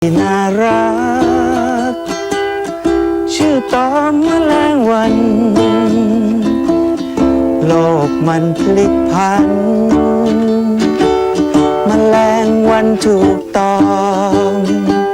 น่ารักชื่อตอมแมลงวันโลกมันพลิกผันแมลงวันถูกตอม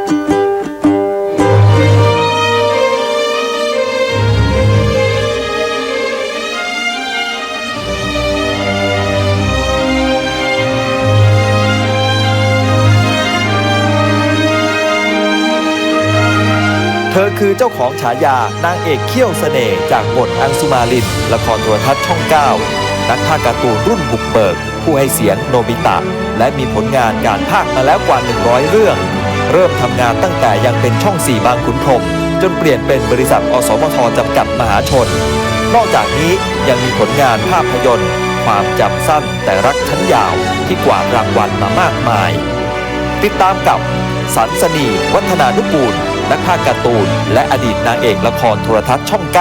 เธอคือเจ้าของฉายานางเอกเขี้ยวเสน่ห์จากบทอังสุมาลินละครโทรทัศน์ช่อง 9 นักพากย์การ์ตูนรุ่นบุกเบิกผู้ให้เสียงโนบิตะและมีผลงานการพากย์มาแล้วกว่า100 เรื่อง เริ่มทำงานตั้งแต่ยังเป็นช่อง 4 บางขุนพรหมจนเปลี่ยนเป็นบริษัทอสมทจำกัดมหาชนนอกจากนี้ยังมีผลงานภาพยนตร์ความจำสั้นแต่รักชั้นยาวที่กวาดรางวัลมามากมายติดตามกับสันสนีวัฒนานุกูลนักพากย์การ์ตูนและอดีตนางเอกละครโทรทัศน์ช่อง 9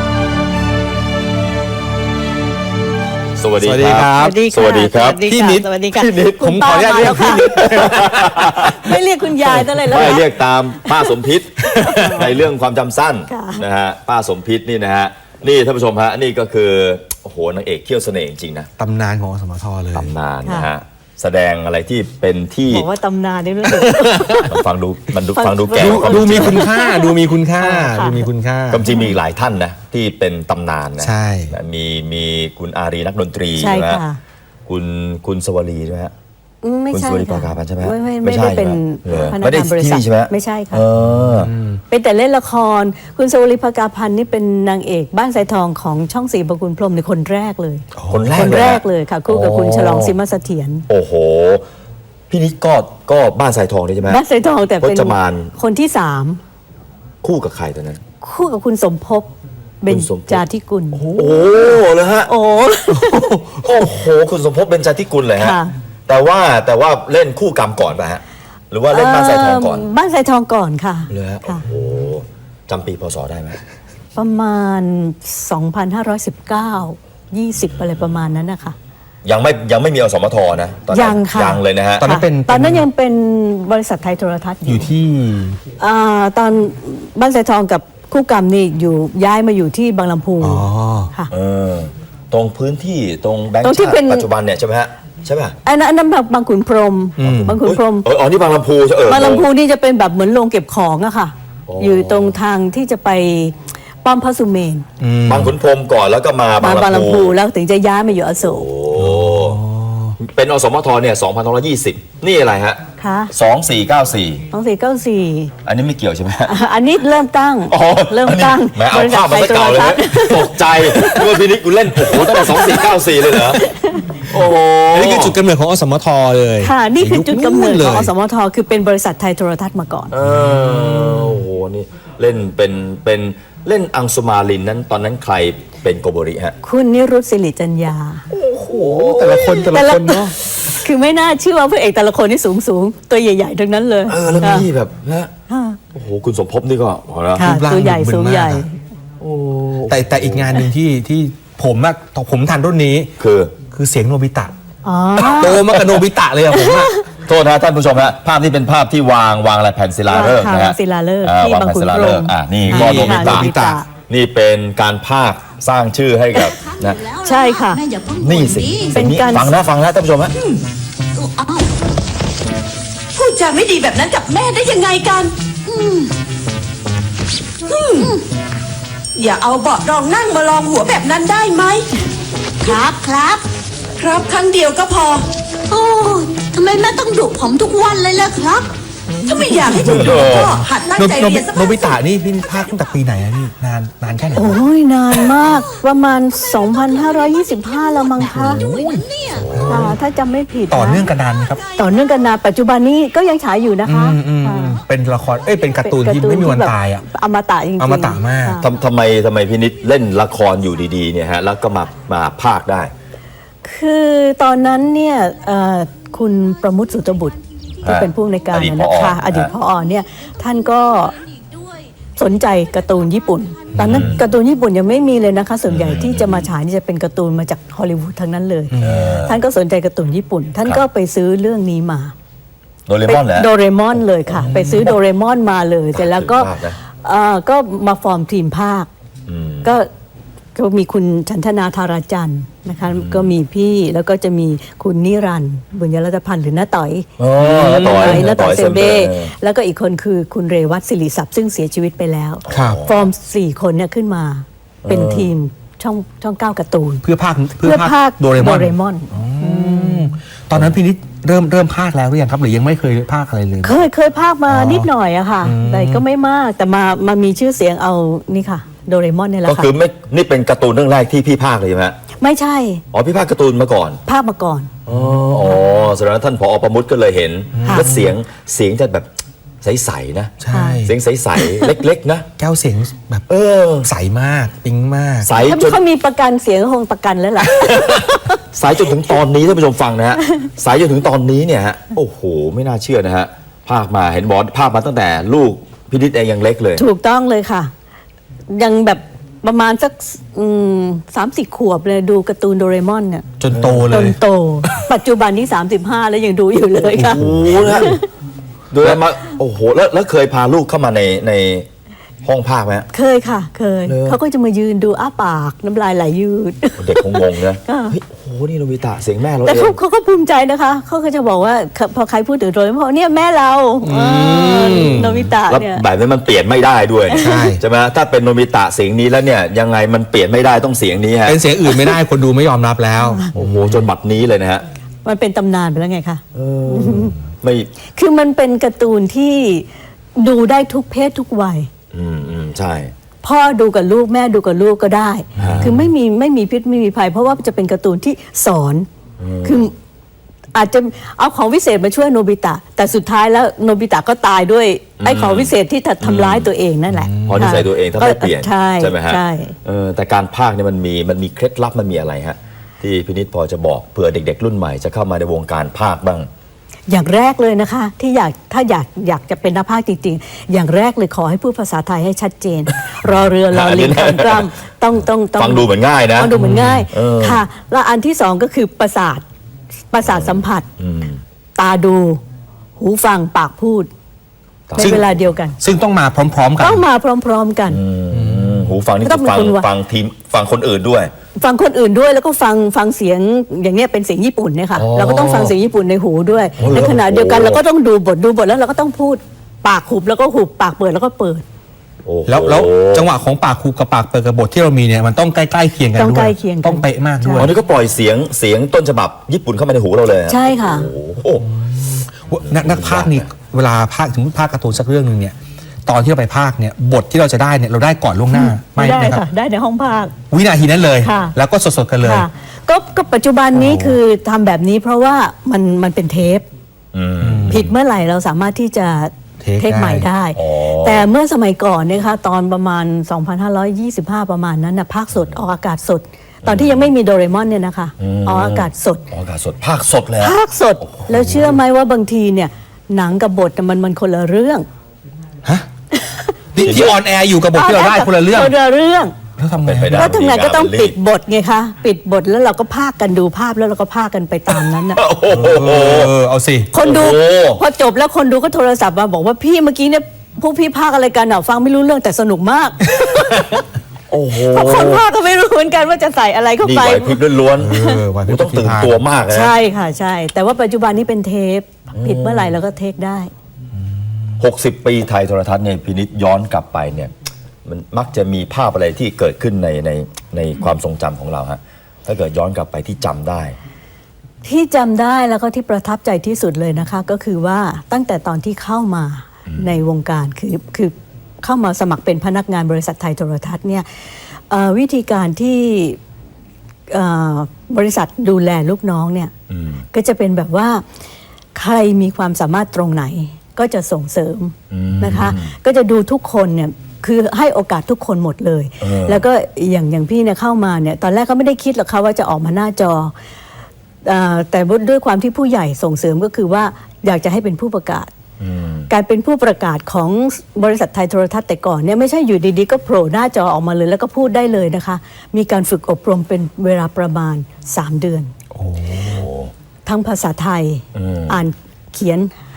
สวัสดีครับสวัสดีครับพี่นิดพี่นิดผมขออนุญาตเรียกพี่นิดไม่เรียกคุณยายตั้งเลยแล้วไม่เรียกตามป้าสมพิษในเรื่องความจำสั้นนะฮะป้าสมพิษนี่นะฮะนี่ท่านผู้ชมฮะนี่ก็คือโอ้โหนางเอกเขี้ยวเสน่ห์จริงๆนะตำนานของอสมทเลยตำนานนะฮะแสดงอะไรที่เป็นที่บอกว่าตำนานนี่รู้สึกฟังดูแก่ดูมีคุณค่าดูมีคุณค่าจริงมีอีกหลายท่านนะที่เป็นตำนานนะใช่มีคุณอารีนักดนตรีใช่ไหมคุณสวรีใช่ไหมฮะไม่ใช่คุณสวรีปราการพันธ์ใช่ไหมไม่ได้เป็นพนักงานบริษัทไม่ใช่ค่ะเป็นแต่เล่นละครคุณสวรีปราการพันธ์นี่เป็นนางเอกบ้านสายทองของช่อง 4 บางขุนพรหมในคนแรกเลยคนแรกเลยค่ะคู่กับคุณฉลองซิมเสถียรโอ้โหพี่นิดก็บ้านสายทองเลยใช่ไหมบ้านสายทองแต่เป็นคนที่3 คู่กับใครตอนนั้นคู่กับคุณสมภพเบญจาธิกุลโอ้เลยฮะโอ้โหคุณสมภพเบญจาธิกุลเลยฮะแต่ว่าเล่นคู่กรรมก่อนป่ะฮะหรือว่าเล่นบ้านสายทองก่อนบ้านสายทองก่อนค่ะเลยฮะโอ้โหจำปีพศได้ไหมประมาณ 2519 20อะไรประมาณนั้นนะคะยังไม่มีอสมทนะตอนนั้นยังเลยนะฮะตอนนั้นยังเป็นบริษัทไทยโทรทัศน์อยู่ที่ตอนบ้านสายทองกับคู่กรรมนี่อยู่ย้ายมาอยู่ที่บางลำพูค่ะตรงพื้นที่ตรงแบงค์ชาติปัจจุบันเนี่ยใช่ไหมฮะใช่ป่ะอันนั้นบางขุนพรหมอ๋อนี่บางลำพูใช่บางลำพูนี่จะเป็นแบบเหมือนโรงเก็บของอะค่ะอยู่ตรงทางที่จะไปป้อมพระสุเมนบางขุนพรหมก่อนแล้วก็มาบางลำพูแล้วถึงจะย้ายมาอยู่อโศกเป็นอสมทเนี่ย2520นี่อะไรฮะ2494อันนี้ไม่เกี่ยวใช่ไหมอันนี้เริ่มตั้งแหมเอาภาพมาเก่าเลยตกใจว่าพี่นิดกูเล่นโอ้โหตั้งแต่2494เลยเหรอโอ้โหนี่คือจุดกำเนิดของอสมทเลยค่ะนี่คือจุดกำเนิดของอสมทคือเป็นบริษัทไทยโทรทัศน์มาก่อนโอ้โหนี่เล่นเป็นเล่นอังสุมาลินนั้นตอนนั้นใครเป็นโกโบริฮะคุณนิรุตศิริจัญญาโอ้โหแต่ละคนเนาะคือไม่น่าเชื่อว่าพระเอกแต่ละคนนี่สูงตัวใหญ่ๆทั้งนั้นเลยแล้วนี่แบบนะโอ้โหคุณสมภพนี่ก็ตัวใหญ่สูงใหญ่แต่อีกงานหนึ่งที่ผมทันรุ่นนี้คือเสียงโนบิตะโตมากับโนบิตะเลยอะผมอะโทษนะท่านผู้ชมฮะภาพนี้เป็นภาพที่วางอะไรแผ่นศิลาฤกษ์นะฮะศิลาฤกษ์ที่บางขุนพรหมนี่ก็โนบิตะนี่เป็นการพากย์สร้างชื่อให้กับนะใช่ค่ะนี่สิเป็นการฟังนะท่านผู้ชมฮะพูดจาไม่ดีแบบนั้นกับแม่ได้ยังไงกันอย่าเอาเบาะรองนั่งมาลองหัวแบบนั้นได้ไหมครับครั้งเดียวก็พอโอ้ทำไมแม่ต้องดุผมทุกวันเลยล่ะครับถ้าไม่อยากให้ถูกดุก็หัดตั้งใจเรียนสักโนบิตะนี่พี่พากย์ตั้งแต่ปีไหนอะนี่นานแค่ไหนโอ้ยนานมากประมาณ 2525 แล้วมั้งคะถ้าจำไม่ผิดต่อเนื่องกันนานครับต่อเนื่องกันนานปัจจุบันนี้ก็ยังฉายอยู่นะคะเป็นละครเป็นการ์ตูนที่ไม่มีวันตายอะอมตะจริงๆอมตะมากทำไมพี่นิดเล่นละครอยู่ดีๆเนี่ยฮะแล้วก็มาพากย์ได้คือตอนนั้นเนี่ยคุณประมุตสุตบุตรที่เป็นผู้ในการนะคะอดีตผอ.เนี่ยท่านก็สนใจการ์ตูนญี่ปุ่นตอนนั้นการ์ตูนญี่ปุ่นยังไม่มีเลยนะคะส่วนใหญ่ที่จะมาฉายนี่จะเป็นการ์ตูนมาจากฮอลลีวูดทั้งนั้นเลยท่านก็สนใจการ์ตูนญี่ปุ่นท่านก็ไปซื้อเรื่องนี้มาโดเรมอนเหรอโดเรมอนเลยค่ะ ไปซื้อโดเรมอนมาเลยเสร็จแล้วก็มากนะก็มาฟอร์มทีมภาคก็มีคุณชันธนาธาราจันทร์นะคะก็มีพี่แล้วก็จะมีคุณนิรันดร์บุญยรัตพันธ์หรือน้าต่อยน้าต่อยน้าต่อยเซมเบ้เออแล้วก็อีกคนคือคุณเรวัตศิริศัพท์ซึ่งเสียชีวิตไปแล้วครับฟอร์ม 4 คนเนี่ยขึ้นมาเป็นทีมช่อง9การ์ตูนเพื่อภาคโดเรมอนตอนนั้นพี่นิดเริ่มภาคแล้วหรือยังครับหรือยังไม่เคยภาคอะไรเลยเคยภาคมานิดหน่อยอะค่ะ แต่ก็ไม่มากแต่มามีชื่อเสียงเอานี่ค่ะโดเรมอนเนี่ยแหละก็ค่ะคือไม่นี่เป็นการ์ตูนเรื่องแรกที่พี่ภาคเลยใช่ไหมฮะไม่ใช่อ๋อพี่ภาคการ์ตูนมาก่อนภาคมาก่อนอ๋อแสดงว่าท่านผอ.ประมุตก็เลยเห็นค่ะแล้วเสียงจะแบบใสๆนะใช่เสียงใสๆ เล็กๆนะแก้วเสียงแบบเออใสมากปิ๊งมากใสถ้าจนเขามีประกันเสียงก็คงประกันแล้วล่ะใสจนถึงตอนนี้ท่านผู้ชมฟังนะฮะใสจนถึงตอนนี้เนี่ยฮะโอ้โหไม่น่าเชื่อนะฮะภาคมาเห็นบอสภาคมาตั้งแต่ลูกพี่นิดเองยังเล็กเลยถูกต้องเลยค่ะ ยังแบบประมาณสัก30 ขวบเลยดูการ์ตูนโดเรมอนเนี่ยจนโตเลจนยโต ปัจจุบันนี้35 แล้วยังดูอยู่เลยค่ะโอ้โหนะโดยมาโอ้โหแล้วเคยพาลูกเข้ามาในห้องภาคไหมฮะเคยค่ะเคยเหรอเขาก็จะมายืนดูอ้าปากน้ำลายไหลยืดเด็กคงงงนะค่ะเฮ้ยโอ้โหนี่โนบิตะเสียงแม่เราแต่เองเขาก็ภูมิใจนะคะเขาก็จะบอกว่าพอใครพูดถึงโดเรมอนเนี่ยแม่เราโนบิตะแล้วเนี่ยแบบนี้มันเปลี่ยนไม่ได้ด้วยใช่ใช่ไหมถ้าเป็นโนบิตะเสียงนี้แล้วเนี่ยยังไงมันเปลี่ยนไม่ได้ต้องเสียงนี้ฮะเป็นเสียงอื่นไม่ได้คนดูไม่ยอมรับแล้วโอ้โหจนบัดนี้เลยนะฮะมันเป็นตำนานไปแล้วไงคะไม่คือมันเป็นการ์ตูนที่ดูได้ทุกเพศทุกวัยใช่พ่อดูกับลูกแม่ดูกับลูกก็ได้ คือไม่มีพิษไม่มีภัย เพราะว่าจะเป็นการ์ตูนที่สอนคืออาจจะเอาของวิเศษมาช่วยโนบิตะ แต่สุดท้ายแล้วโนบิตะก็ตายด้วยไอ้ของวิเศษที่ทำร้ายตัวเองนั่นแหละเพราะนิสัยตัวเองถ้าไม่เปลี่ยนใช่ไหมฮะใช่แต่การพากย์เนี่ยมันมีเคล็ดลับมันมีอะไรฮะที่พินิจพอจะบอกเผื่อเด็ก ๆ รุ่นใหม่จะเข้ามาในวงการพากย์บ้างอย่างแรกเลยนะคะ ที่ถ้าอยากจะเป็นนักพากย์จริงๆ อย่างแรกเลยขอให้พูดภาษาไทยให้ชัดเจน รอเรือรอลิงคำกล้ำต้องฟังดูเหมือนง่ายนะฟังดูเหมือนง่ายเออค่ะ แล้วอันที่สองก็คือประสาทสัมผัส ตาดู หูฟังปากพูดในซึ่งเวลาเดียวกันซึ่งต้องมาพร้อมๆกันต้องมาพร้อมๆกันหูฟังนี่ต้คือ องเป็นคนว่าฟังทีมฟังคนอื่นด้วยฟังคนอื่นด้วยแล้วก็ฟังเสียงอย่างเนี้ยเป็นเสียงญี่ปุ่นเนี่ยค่ะอ๋อเราก็ต้องฟังเสียงญี่ปุ่นในหูด้วยอ๋อเหรอในขณะเดียวกันโอ้เราก็ต้องดูบทแล้วเราก็ต้องพูดปากหุบแล้วก็หุบปากเปิดแล้วก็เปิดโอ้โหแล้วจังหวะของปากครูกับปากเปิดกับบทที่เรามีเนี่ยมันต้องใกล้ๆเคียงกันต้องด้วใกล้ยเคียงกันต้องเป๊ะมากด้วยอ๋อนี่ก็ปล่อยเสียงต้นฉบับญี่ปุ่นเข้ามาในหูเราเลยอะใช่ค่ะโอ้โหนักพากย์นี่เวลาพากย์ถึงพากย์การ์ตูนสักเรื่องหนึ่งเนี่ยตอนที่เราไปพากย์เนี่ยบทที่เราจะได้เนี่ยเราได้ก่อนล่วงหน้าไม่ได้นะครัค่ะบได้ในห้องภาควินาทีนั้นเลยค่ะแล้วก็สดๆกันเลยค่ะก็ปัจจุบันนี้คือทำแบบนี้เพราะว่ามันเป็นเทปผิดเมื่อไหร่เราสามารถที่จะเทคใหม่ได้อ๋อแต่เมื่อสมัยก่อนเนี่ยค่ะตอนประมาณ 2525 ประมาณนั้นนะภาคสดออกอากาศสด ตอนที่ยังไม่มีโดเรมอนเนี่ยนะคะออกอากาศสดออกอากาศสดภาคสดเลยอะภาคสดแล้วเชื่อไหมว่าบางทีเนี่ยหนังกับบทมันคนละเรื่องที่ออนแอร์อยู่กับบทที่เราได้คนละเรื่องคนละเรื่องแล้วทำไงเป็นไปได้แล้วทำไงก็ต้องมีการปิดบทไงคะปิดบทแล้วเราก็พากกันดูภาพแล้วเราก็พากกันไปตามนั้นนะโอ้โหเอาสิคนดูโอ้โหพอจบแล้วคนดูก็โทรศัพท์มาบอกว่าพี่เมื่อกี้เนี่ยพวกพี่พากอะไรกันอ่ะฟังไม่รู้เรื่องแต่สนุกมากโอ้โหเพราะคนพากก็ไม่รู้เหมือนกันว่าจะใส่อะไรเข้านี่ไปไหวพริบล้วนไหวพริบต้องตื่นตัวมากนะใช่ค่ะใช่ แต่ว่าปัจจุบันนี้เป็นเทปผิดเมื่อไหร่เราก็เทคได้ 60 ปีไทยโทรทัศน์เนี่ยพินิจย้อนกลับไปเนี่ยมันมักจะมีภาพอะไรที่เกิดขึ้นในความทรงจำของเราฮะถ้าเกิดย้อนกลับไปที่จำได้ที่จำได้แล้วก็ที่ประทับใจที่สุดเลยนะคะ ก็คือว่าตั้งแต่ตอนที่เข้ามาในวงการคือเข้ามาสมัครเป็นพนักงานบริษัทไทยโทรทัศน์เนี่ยวิธีการที่บริษัทดูแลลูกน้องเนี่ยก็จะเป็นแบบว่าใครมีความสามารถตรงไหนก็จะส่งเสริมนะคะ ก็จะดูทุกคนเนี่ยคือให้โอกาสทุกคนหมดเลย แล้วก็อย่างพี่เนี่ยเข้ามาเนี่ยตอนแรกก็ไม่ได้คิดหรอกค่ะว่าจะออกมาหน้าจอแต่ด้วยความที่ผู้ใหญ่ส่งเสริมก็คือว่าอยากจะให้เป็นผู้ประกาศ การเป็นผู้ประกาศของบริษัทไทยโทรทัศน์แต่ก่อนเนี่ยไม่ใช่อยู่ดีๆก็โผล่หน้าจอออกมาเลยแล้วก็พูดได้เลยนะคะ มีการฝึกอบรมเป็นเวลาประมาณ3 เดือนทั้งภาษาไทยอ่านเขียน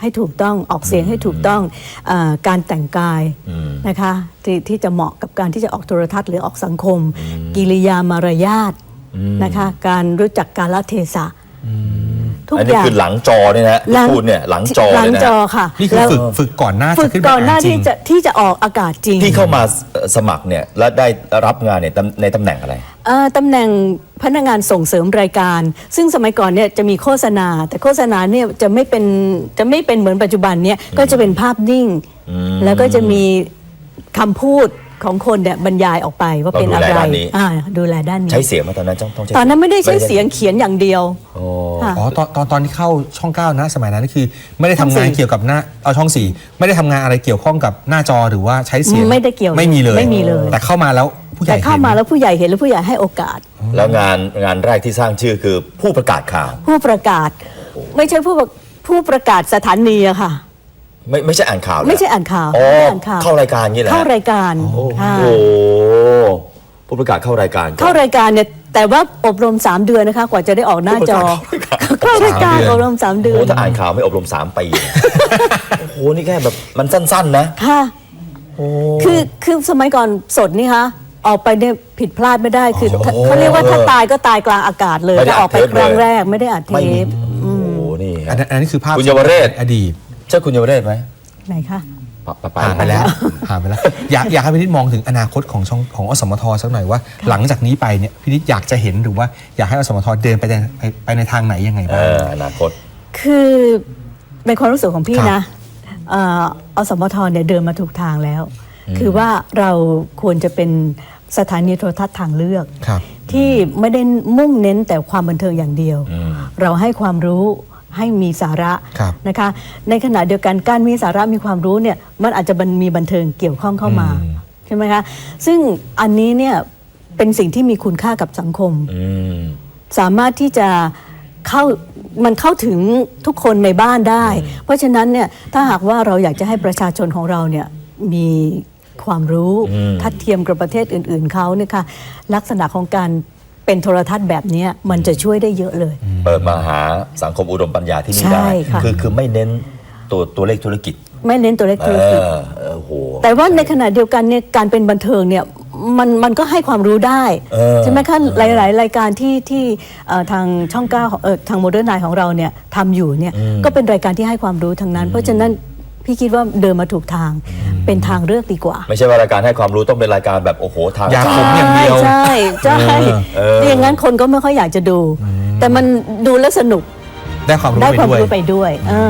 ให้ถูกต้องออกเสียงให้ถูกต้องการแต่งกายนะคะที่จะเหมาะกับการที่จะออกโทรทัศน์หรือออกสังคม กิริยามารยาทนะคะการรู้จักกาลเทศะทุกอันอนี้ย่างคือหลังจอเนี่ยนะที่พูดเนี่ยหลังจอหลัเลยงนะจอค่ะนี่คือฝึกก่อนหน้าฝึจะกขึ้นไปก่อนหน้าจริงที่จะออกอากาศจริงที่เข้ามาสมัครเนี่ยและได้รับงานเนี่ยในตำแหน่งอะไรตำแหน่งพนักงานส่งเสริมรายการ ซึ่งสมัยก่อนเนี่ยจะมีโฆษณา แต่โฆษณาเนี่ยจะไม่เป็นเหมือนปัจจุบันเนี่ยก็จะเป็นภาพนิ่ง แล้วก็จะมีคำพูดของคนเนี่ยบรรยายออกไปว่าเป็นอะไรเราดูแลด้านนี้ดูแลด้านนี้ใช้เสียงมาตอนนั้นต้องใช้ตอนนั้นไม่ได้ใช้เสียงเขียนอย่างเดียวโอ้ค่ะอ๋อตอนที่เข้าช่อง9นะสมัยนั้นคือไม่ได้ทำงานช่องสี่เกี่ยวกับหน้าช่อง4ไม่ได้ทำงานอะไรเกี่ยวข้องกับหน้าจอหรือว่าใช้เสียงไม่ได้เกี่ยวไม่มีเลยไม่มีเลยแต่เข้ามาแล้วผู้ใหญ่แต่เข้ามาแล้วผู้ใหญ่เห็นแล้วผู้ใหญ่ให้โอกาสแล้วงานแรกที่สร้างชื่อคือผู้ประกาศข่าวผู้ประกาศไม่ใช่ผู้ประกาศสถานีอะค่ะไม่ใช่อ่านข่าวเหรอไม่ใช่อ่านข่าวอ๋อไม่ได้อ่านข่าวเข้ารายการงี้แหละเข้ารายการโอ้ค่ะโหผู้ประกาศเข้ารายการก่อนเข้ารายการเนี่ยแต่ว่าอบรม3 เดือนนะคะกว่าจะได้ออกหน้าจอเข้ารายการอบรม3 เดือโอ้นถ้าอ่านข่าวไม่อบรม3 ปีโอ้โหนี่แค่แบบมันสั้นๆนะค่ะคือสมัยก่อนสดนี่คะออกไปเนี่ยผิดพลาดไม่ได้คือเขาเรียกว่าถ้าตายก็ตายกลางอากาศเลยไม่ได้ถ้าออกไปอัดเทปครั้งเลยแรกไม่ได้อัดเทไม่มีปโอ้โหนี่อันนั้นคือภาพคุณเยาวเรศอดีตใช่คุณเยาวเรศไหมไหนคะผ่านไปแล้วผ่านไปแล้วอยากให้พี่นิดมองถึงอนาคตของอสมทสักหน่อยว่า หลังจากนี้ไปเนี่ยพี่นิดอยากจะเห็นหรือว่าอยากให้อสมทเดินไปในทางไหนยังไงบ้างอนาคตคือในความรู้สึกของพี่ครับนะอสมทเนี่ยเดินมาถูกทางแล้ว คือว่าเราควรจะเป็นสถานีโทรทัศน์ทางเลือกครับที่ไม่ได้มุ่งเน้นแต่ความบันเทิงอย่างเดียว เราให้ความรู้ให้มีสาระครับนะคะ ในขณะเดียวกันการมีสาระมีความรู้เนี่ยมันอาจจะมีบันเทิงเกี่ยวข้องเข้ามาใช่ไหมคะซึ่งอันนี้เนี่ยเป็นสิ่งที่มีคุณค่ากับสังคม สามารถที่จะเข้าถึงทุกคนในบ้านได้ เพราะฉะนั้นเนี่ยถ้าหากว่าเราอยากจะให้ประชาชนของเราเนี่ยมีความรู้ทัดเทียมกับประเทศอื่นๆเขาเนี่ยค่ะลักษณะของการเป็นโทรทัศน์แบบนี้มันจะช่วยได้เยอะเลยเปิดมาหาสังคมอุดมปัญญาที่นี่ใช่ได้ค่ะคือไม่เน้นตัวเลขธุรกิจไม่เน้นตัวเลขธุรกิจโอ้โหแต่ว่าในขณะเดียวกันเนี่ยการเป็นบันเทิงเนี่ยมันก็ให้ความรู้ได้ ใช่ไหมคะหลายๆรายการที่ทางช่อง9ทางโมเดิร์นไนของเราเนี่ยทำอยู่เนี่ยก็เป็นรายการที่ให้ความรู้ทั้งนั้น เพราะฉะนั้นพี่คิดว่าเดินมาถูกทางเป็นทางเลือกดีกว่าไม่ใช่ว่ารายการให้ความรู้ต้องเป็นรายการแบบโอ้โหทางอยากผมอย่างเดียวใช่ไม่อย่างนั้นคนก็ไม่ค่อยอยากจะดู แต่มันดูแล้วสนุกได้ความรู้ได้ไปความด้วยรู้ไปด้วย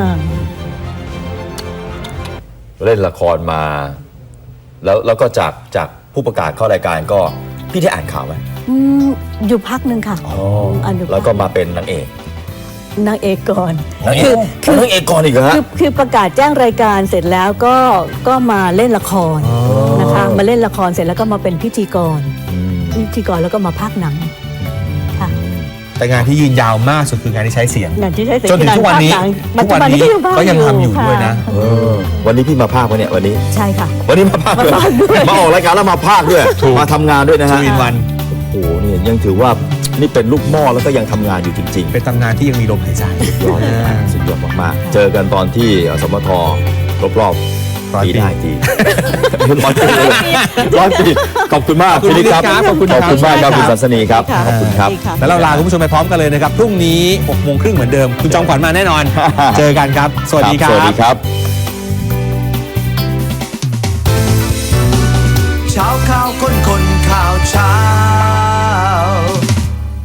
เล่นละครมา แล้วก็จากผู้ประกาศเข้ารายการก็พี่ได้อ่านข่าวไหมอยู่พักหนึ่งค่ะอันอยู่พัแล้วก็มาเป็นนางเอกนางเอกก่อนนางเอกนางเอกก่อนอีกเหรอฮะคือประกาศแจ้งรายการเสร็จแล้วก็มาเล่นละครนะคะมาเล่นละครเสร็จแล้วก็มาเป็นพิธีกรแล้วก็มาพากย์หนังค่ะแต่งานที่ยืนยาวมากสุดคืองานที่ใช้เสียงงานที่ใช้เสียงจนถึงทุกวันนี้ปัจจุบันนี้ก็ยังทำอยู่ด้วยนะวันนี้พี่มาภาควะเนี่ยวันนี้ใช่ค่ะวันนี้มาภาคด้วยมาภาคด้วยมาออกรายการแล้วมาภาคด้วย มาทำงานด้วยนะฮะ 2 in 1 โอ้โหนี่ยังถือว่านี่เป็นลูกหม้อแล้วก็ยังทำงานอยู่จริงๆเป็นตำนานที่ยังมีลมหายใจสุดยอดมากๆเจอกันตอนที่สมทรอบๆปีได้ทีร้อยปีขอบคุณมากขอบคุณพี่นิดครับขอบคุณครับขอบคุณมากครับคุณสันสนีครับค่ะขอบคุณครับดีค่ะแล้วเราลาคุณผู้ชมไปพร้อมกันเลยนะครับ พรุ่งนี้ 6 โมงครึ่งเหมือนเดิม คุณจอมขวัญมาแน่นอน เจอกันครับ สวัสดีครัสวัสบดีครับ